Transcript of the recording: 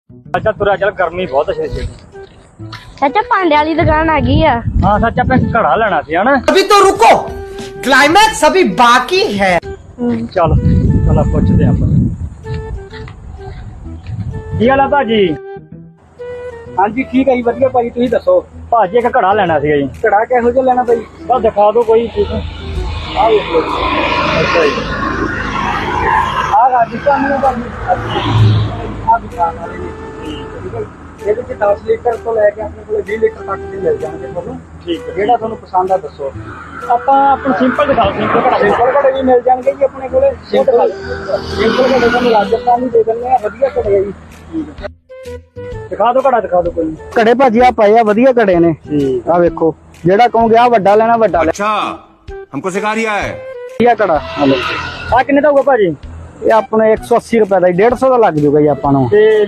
ਅੱਛਾ ਤੁਰਿਆ ਚੱਲ, ਗਰਮੀ ਬਹੁਤ ਛੇ ਛੇ। ਚਾਚਾ ਭਾਂਡੇ ਵਾਲੀ ਦੁਕਾਨ ਆ ਗਈ ਆ। ਹਾਂ ਸੱਚ, ਆਪਾਂ ਘੜਾ ਲੈਣਾ ਸੀ ਹਨਾ। अभी तो रुको, क्लाइमैक्स अभी बाकी है। ਚੱਲ ਚੱਲ ਪੁੱਛਦੇ ਆਪਾਂ। ਕੀ ਹਾਲ ਆ ਭਾਜੀ? ਹਾਂਜੀ ਠੀਕ ਹੈ ਜੀ, ਵਧੀਆ ਭਾਜੀ। ਤੁਸੀਂ ਦੱਸੋ ਭਾਜੀ ਇੱਕ ਘੜਾ ਲੈਣਾ ਸੀਗਾ ਜੀ। ਘੜਾ ਕਿਹੋ ਜਿਹਾ ਲੈਣਾ ਭਾਈ? ਬਸ ਦਿਖਾ ਦਿਓ ਕੋਈ ਚੀਜ਼। ਆਹ ਵੇਖ ਲਓ। ਅੱਛਾ ਜੀ। ਆਹ ਰਾਜਸਥਾਨ ਨੂੰ ਭਾਜੀ ਆਹ ਦੁਕਾਨ ਵਾਲੇ ਜੀ। ਠੀਕ ਹੈ ਜੀ। ਇਹਦੇ ਚ 10 ਲੀਟਰ ਤੋਂ ਲੈ ਕੇ ਆਪਣੇ ਕੋਲ 20 ਲੀਟਰ ਤੱਕ ਦੇ ਮਿਲ ਜਾਣਗੇ ਤੁਹਾਨੂੰ। ਠੀਕ ਹੈ। ਜਿਹੜਾ ਤੁਹਾਨੂੰ ਪਸੰਦ ਆ ਦੱਸੋ। ਆਪਾਂ ਆਪਣਾ ਸਿੰਪਲ ਦਿਖਾਓ, ਸਿੰਪਲ ਘੜਾ। ਸਿੰਪਲ ਘੜੇ ਵੀ ਮਿਲ ਜਾਣਗੇ ਜੀ ਆਪਣੇ ਕੋਲੇ। ਸਿੰਪਲ ਘੜੇ ਤੁਹਾਨੂੰ ਰਾਜਸਥਾਨ ਵੀ ਦੇ ਦਿੰਦੇ ਆ, ਵਧੀਆ ਘੜੇ ਆ ਜੀ। ਦਿਖਾ ਦਿਓ ਘੜਾ, ਦਿਖਾ ਦਿਓ ਕੋਈ। ਘੜੇ ਭਾਜੀ ਆ ਪਏ ਆ, ਵਧੀਆ ਘੜੇ ਨੇ। ਠੀਕ। ਆ ਵੇਖੋ, ਜਿਹੜਾ ਕਹੋਗੇ ਆ ਵੱਡਾ ਲੈਣਾ ਵੱਡਾ ਲੈ। अच्छा हमको सिखा रिया है। ਵਧੀਆ ਘੜਾ ਆ ਕਿੰਨੇ ਦਾ ਹੋਊਗਾ ਭਾਜੀ? ਇਹ ਆਪਣੇ 180 ਰੁਪਏ ਦਾ, 150 ਦਾ ਲੱਗ ਜੂਗਾ ਜੀ ਆਪਾਂ ਨੂੰ। ਤੇ